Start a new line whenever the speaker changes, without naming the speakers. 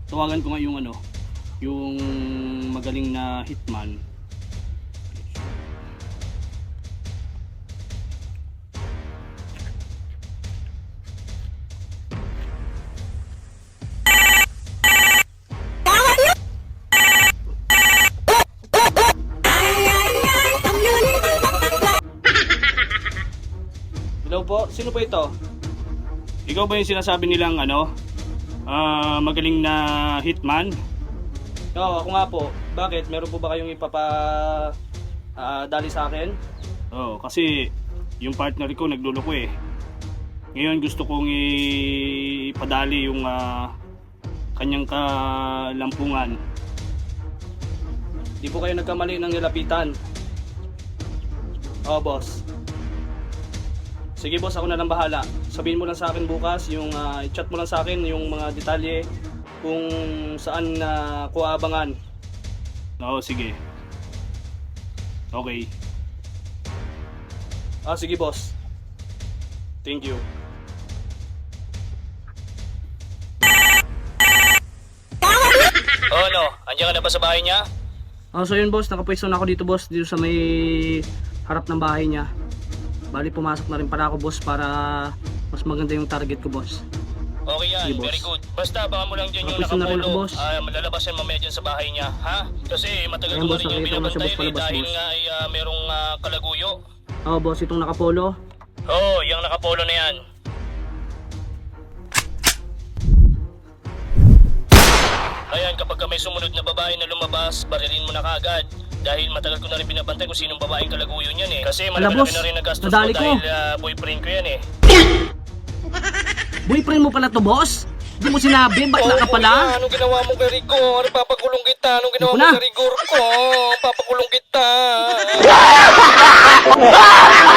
Tawagan ko nga yung ano, yung magaling na hitman. Hello po, sino po ito? Ikaw ba yung sinasabi nilang ano, magaling na hitman? Oo, ako nga po. Bakit? Meron po ba kayong dali sa akin? Oo, kasi yung partner ko nagluloko eh. Ngayon gusto kong ipadali yung kanyang kalampungan. Di po kayo nagkamali ng nilapitan. Oo, boss. Sige boss, ako na lang bahala. Sabihin mo lang sa akin bukas, yung i-chat mo lang sa akin yung mga detalye kung saan ko aabangan. Oo, sige. Okay. Sige boss. Thank you. Oh no, andiyan ka na ba sa bahay niya? So yun boss, nakapwesto na ako dito boss, dito sa may harap ng bahay niya. Bali pumasok na rin pala ako boss para mas maganda yung target ko boss. Okay yan, sige, very good. Basta baka mo lang dyan yung nakapolo. Malalabas yan mamaya dyan sa bahay niya, ha? Kasi matagal ko na rin yung binabantayan dahil nga ay merong kalaguyo. Oo boss, itong nakapolo? Oo, yung nakapolo na yan. Ayan, kapag may sumunod na babae na lumabas, barilin mo na kaagad. Dahil matagal ko na rin binabantay kung sinong babaeng kalaguyo niyan eh. Kasi malaki na rin nagastos ko dahil boyfriend ko yan eh. Boyfriend mo pala to boss? Hindi mo sinabi, ba't ka pala? Anong ginawa mo kay Rico? Ano papakulong kita? Anong ginawa mo kay Rigor ko? Papakulong kita.